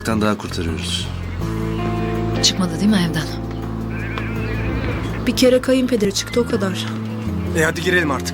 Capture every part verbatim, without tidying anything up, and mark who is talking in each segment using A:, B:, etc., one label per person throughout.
A: daha kurtarıyoruz.
B: Çıkmadı değil mi evden?
C: Bir kere kayınpederi çıktı, o kadar.
D: E hadi girelim artık.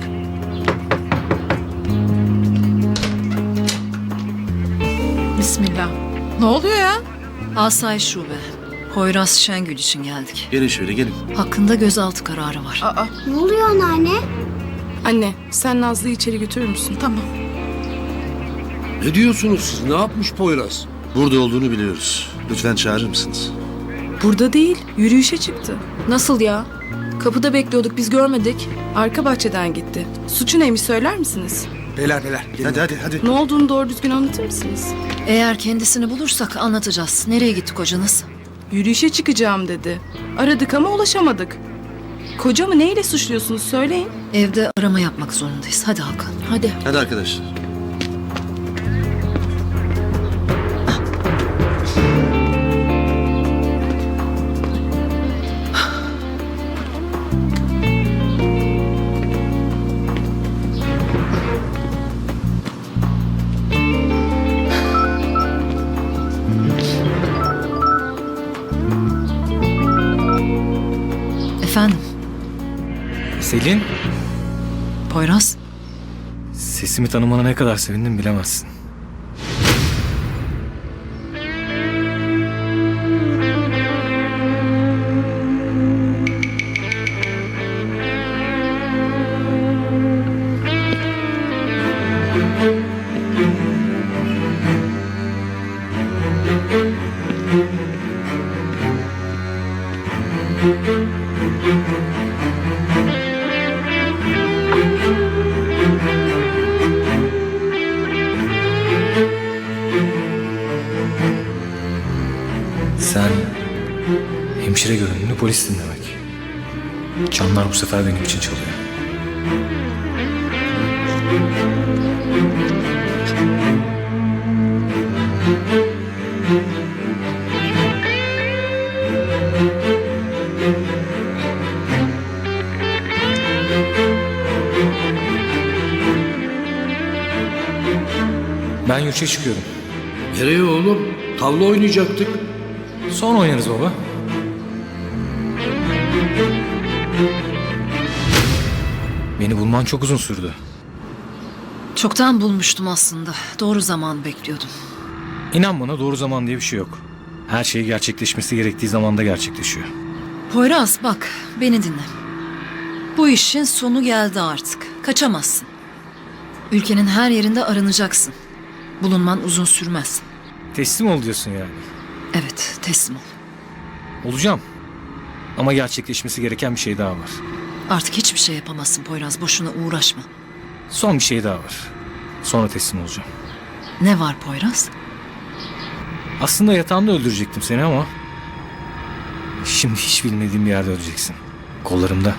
E: Bismillah. Ne oluyor ya?
B: Asayiş Şube. Poyraz Şengül için geldik.
A: Gelin şöyle gelin.
B: Hakkında gözaltı kararı var.
E: Aa,
F: Ne oluyor anneanne?
C: Anne, sen Nazlı'yı içeri götürür müsün?
E: tamam.
G: Ne diyorsunuz siz? Ne yapmış Poyraz?
A: Burada olduğunu biliyoruz. Lütfen çağırır mısınız?
C: Burada değil, yürüyüşe çıktı. Nasıl ya? Kapıda bekliyorduk, biz görmedik. Arka bahçeden gitti. Suçu neymiş söyler misiniz?
D: Beyler beyler. Gelin.
A: Hadi hadi hadi.
C: Ne olduğunu doğru düzgün anlatır mısınız?
B: Eğer kendisini bulursak anlatacağız. Nereye gitti kocanız?
C: Yürüyüşe çıkacağım dedi. Aradık ama ulaşamadık. Kocamı neyle suçluyorsunuz söyleyin.
B: Evde arama yapmak zorundayız. Hadi Hakan.
C: Hadi.
A: Hadi arkadaşlar.
B: Efendim,
H: Selin,
B: Poyraz.
H: sesimi tanımana ne kadar sevindim bilemezsin. Sen hemşire görünümlü polissin demek. Canlar bu sefer benim için çalıyor. Ben yurtça çıkıyorum.
G: Nereye oğlum? Tavla oynayacaktık.
H: Sonra oynarız baba. Beni bulman çok uzun sürdü.
B: Çoktan bulmuştum aslında. Doğru zaman bekliyordum.
H: İnan bana, doğru zaman diye bir şey yok. Her şey gerçekleşmesi gerektiği zamanda gerçekleşiyor.
B: Poyraz bak, beni dinle. Bu işin sonu geldi artık. Kaçamazsın. Ülkenin her yerinde aranacaksın. Bulunman uzun sürmez.
H: Teslim ol diyorsun yani.
B: Evet, teslim ol.
H: Olacağım. Ama gerçekleşmesi gereken bir şey daha var.
B: Artık hiçbir şey yapamazsın Poyraz. Boşuna uğraşma.
H: Son bir şey daha var. Sonra teslim olacağım.
B: Ne var Poyraz?
H: Aslında yatağımda öldürecektim seni ama... Şimdi hiç bilmediğim bir yerde öleceksin. Kollarımda.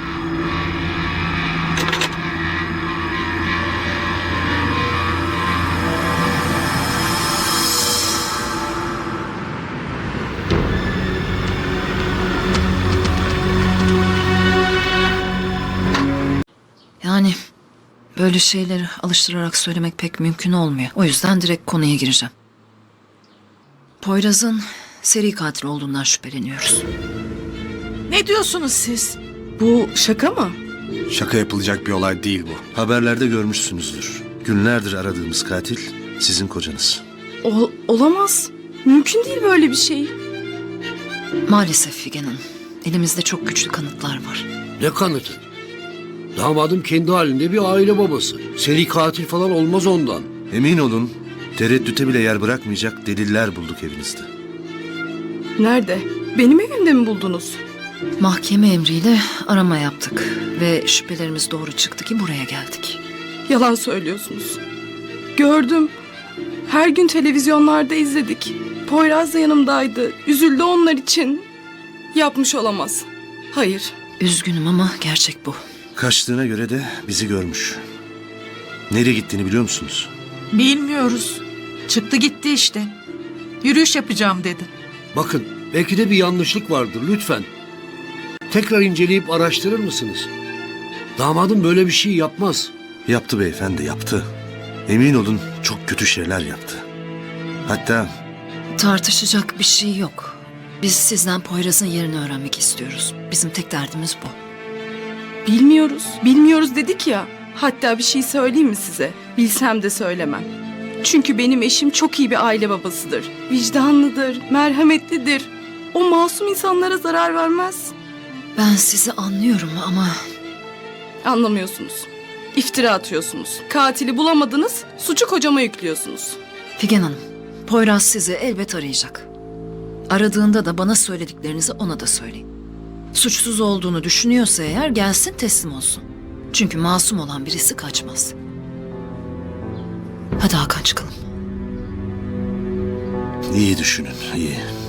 B: Yani böyle şeyleri alıştırarak söylemek pek mümkün olmuyor. O yüzden direkt konuya gireceğim. Poyraz'ın seri katil olduğundan şüpheleniyoruz.
E: Ne diyorsunuz siz?
C: Bu şaka mı?
D: Şaka yapılacak bir olay değil bu.
A: Haberlerde görmüşsünüzdür. Günlerdir aradığımız katil sizin kocanız.
C: O, olamaz. Mümkün değil böyle bir şey.
B: Maalesef Figen Hanım. Elimizde çok güçlü kanıtlar var.
G: Ne kanıtı? Damadım kendi halinde bir aile babası. Seri katil falan olmaz ondan.
A: Emin olun tereddüte bile yer bırakmayacak deliller bulduk evinizde.
C: Nerede? Benim evimde mi buldunuz?
B: Mahkeme emriyle arama yaptık. Ve şüphelerimiz doğru çıktı ki buraya geldik.
C: Yalan söylüyorsunuz. Gördüm. Her gün televizyonlarda izledik. Poyraz da yanımdaydı. Üzüldü onlar için. Yapmış olamaz. Hayır.
B: Üzgünüm ama gerçek bu.
A: Kaçtığına göre de bizi görmüş. Nereye gittiğini biliyor musunuz?
E: Bilmiyoruz. Çıktı gitti işte. Yürüyüş yapacağım dedi.
G: Bakın, belki de bir yanlışlık vardır lütfen. Tekrar inceleyip araştırır mısınız? Damadım böyle bir şey yapmaz.
A: Yaptı beyefendi, yaptı. Emin olun çok kötü şeyler yaptı. Hatta
B: Tartışacak bir şey yok. Biz sizden Poyraz'ın yerini öğrenmek istiyoruz. Bizim tek derdimiz bu.
C: Bilmiyoruz. Bilmiyoruz dedik ya. Hatta bir şey söyleyeyim mi size? Bilsem de söylemem. Çünkü benim eşim çok iyi bir aile babasıdır. Vicdanlıdır, merhametlidir. O masum insanlara zarar vermez.
B: Ben sizi anlıyorum ama
C: Anlamıyorsunuz. İftira atıyorsunuz. Katili bulamadınız, suçu kocama yüklüyorsunuz.
B: Figen Hanım, Poyraz sizi elbet arayacak. Aradığında da bana söylediklerinizi ona da söyleyin. Suçsuz olduğunu düşünüyorsa eğer gelsin teslim olsun. Çünkü masum olan birisi kaçmaz. Hadi Hakan çıkalım.
A: İyi düşünün, iyi.